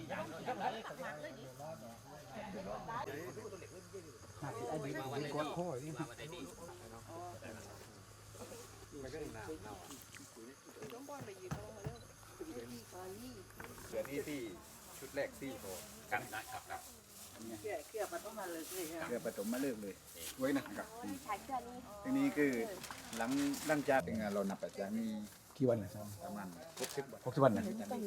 เดี๋ยวนี้ที่ชุดแรกที่โอกันได้ครับเกี่ยวปฐมมาเลิกเลยไว้นะครับทีนี้คือหลังจากเรานับอาจารย์มีกี่วันนะครับประมาณ60 วันนะ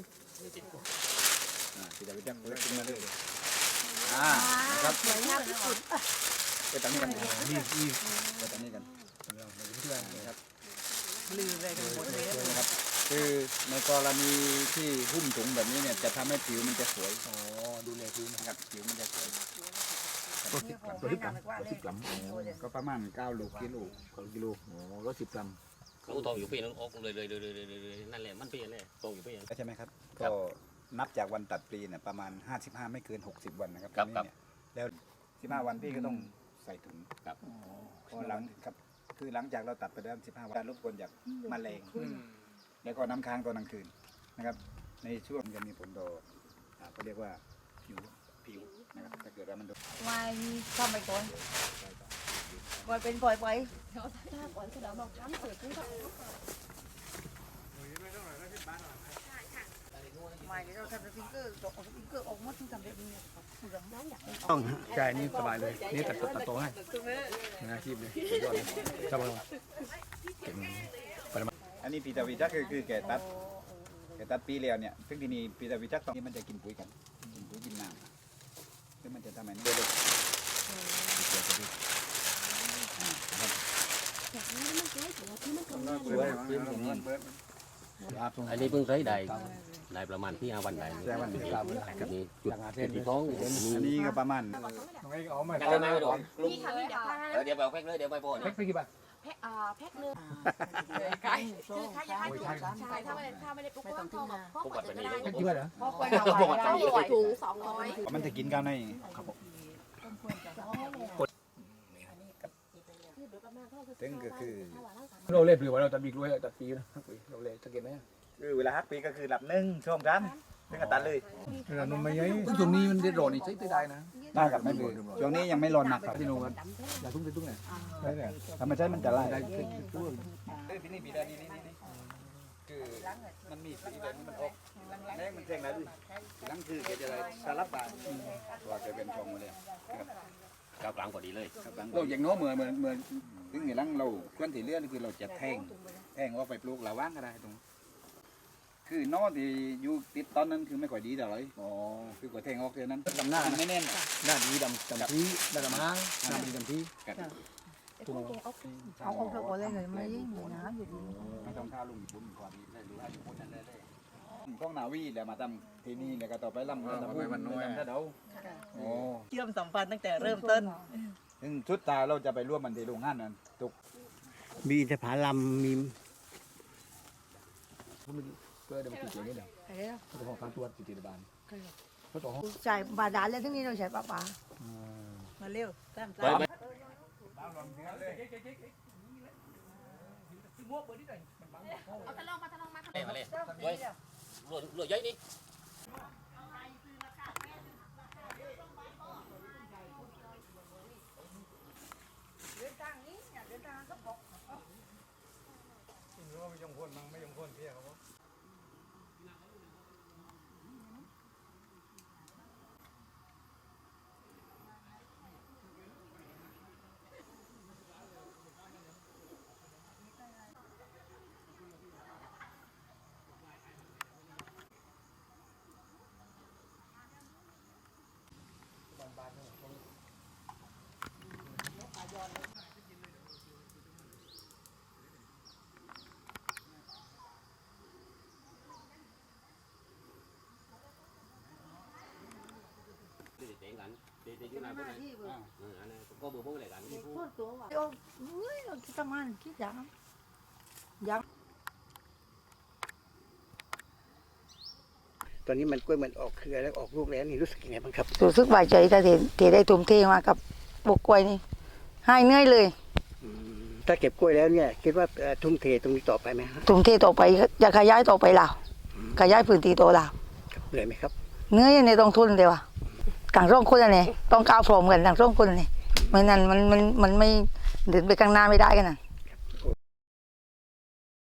ที่จะไปจับเลิกขึ้นมาเลยนะครับสวยงามที่สุดไปตั้งนี้กันนี่ไปตั้งนี้กันนะครับลืมเลยหมดเลยนะครับคือในกรณีที่หุ้มถุงแบบนี้เนี่ยจะทำให้ผิวมันจะสวยดูแลผิวนะครับผิวมันจะสวย110 กรัมก็ประมาณ9 กิโล110 กรัมเขาทองอยู่ปีนึงออกเลยนั่นแหละมันปีนั่นแหละทองอยู่ปีนั้นใช่ไหมครับก็นับจากวันตัดปลีเนี่ยประมาณ55ไม่เกิน60 วันนะครับแล้ว15 วันพี่ก็ต้องใส่ถุงครับพอหลังครับคือหลังจากเราตัดไปแล้ว15 วันรบกวนจากแมลงแล้วก็น้ำค้างตอนกลางคืนนะครับในช่วงจะมีผลต่อเขาเรียกว่าผิวนะครับถ้าเกิดว่ามันโดนไม่ทำไปก่อนก่อนเป็นปล่อยไปถ้าก่อนจะเราทำเสร็จก็ไม่เราทำเป็นฟิงเกอร์ออกหมดทุกทำแบบนี้ต้องใช่นี่สบายเลยนี่ตัดโตให้อาชีพเลยยอดเลยชอบมากเก่งอันนี้ปีตาวิจักคือแกตัดปีแล้วเนี่ยซึ่งทีนี้ปีตาวิจักตอนนี้มันจะกินปุ๋ยกันกินน้ำซึ่งมันจะทำให้เด็กอันนี้เพิ่งใช้ได้ประมาณที่5 วันได้กับนี้จุดที่ท้องอันนี้ก็ประมาณยังไม่โดนเดี๋ยวไปแพ็คเลยเดี๋ยวไปโพสแพ็คกี่บาทแพ็คนึงไก่คือถ้าอยากให้ใช่ถ้าไม่ได้ปุ๊บก็ต้องพกแบบนี้แพ็คกี่บาทเหรอพกไป200 ถุง200 มันจะกินกันได้ครับผมซึ่งก็คือเราเล่นหรือว่าเราตัดบีกล้วยตัดปีนะเราเล่นสังเกตไหมคือเวลาฮักปีก็คือหลับ1 ช่วงกันซึ่งก็ตัดเลยเรานมไม่ยัยช่วงนี้มันได้ร้อนอีกใช้ได้นะได้กับไม่เลยช่วงนี้ยังไม่ร้อนหนักครับพี่นุ่มอย่าทุ่งเนี่ยธรรมชาติมันจะไล่ที่นี่ปีดานี่คือมันมีสีแบบนี้มันออกแรงมันแจ้งแล้วดินั่นคือเกิดอะไรสารบาตัวเกิดเป็นฟองมาเลยกลางกว่าดีเลยเราอย่างโน้มเหมือนถึงอย่างนั้นเราควรที่เลื่อนคือเราจะแทงว่าไปปลูกระว่างก็ได้ตรงคือนอที่อยู่ติดตอนนั้นคือไม่ค่อยดีเท่าไหร่คือกว่าแทงออกเท่านั้นดำหน้าไม่แน่นหน้าดีดำที่ดำม้างหน้าดีดำที่เอาออกแล้วก็เลยไม่ยิ่งนะอยู่ดีไม่ต้องท่าลุงบุญกว่านี้เลยหรือว่าอยู่บนนั้นเลยกล้องนาวีแล้วมาทำที่นี่แล้วก็ต่อไปลำก็ทำมันน้อยถ้าเดาเชื่อมสัมพันธ์ตั้งแต่เริ่มต้นชุดตาเราจะไปร่วมมันที่โรงงานนั้นตุกมีแต่ผาลำมีก็เดี๋ยวมาติดอย่างนี้เดี๋ยวเขาของการตรวจติดบ้านเขาต่อใช่บาดาลแล้วทั้งนี้เราใช้ปลามาเร็วตามเอาทะลองมาเลยรวยเยอะนี่เดินทางนี้เดินทางก็บอกไม่ยงพ้นมั้งไม่ยงพ้นเพี้ยเขาก็เบอร์พวกอะไรกันพูดตัวว่าเราคิดทำงานคิดยังตอนนี้มันกล้วยมันออกเครือแล้วออกลูกแล้วนี่รู้สึกยังไงบ้างครับรู้สึกสบายใจแต่ที่ได้ทุ่มเทมากับบุกกล้วยนี่หายเหนื่อยเลยถ้าเก็บกล้วยแล้วเนี่ยคิดว่าทุ่มเทตรงนี้ต่อไปไหมฮะทุ่มเทต่อไปจะขยายต่อไปเราขยายพื้นที่ต่อเราเหนื่อยไหมครับเนื้อยังในต้องทุนเดียวอะต่างร่องคนอันนี้ต้องก้าวพร้อมกันต่างร่องคนอันนี้ไม่นั้นมันไม่เดินไปข้างหน้าไม่ได้กันนะ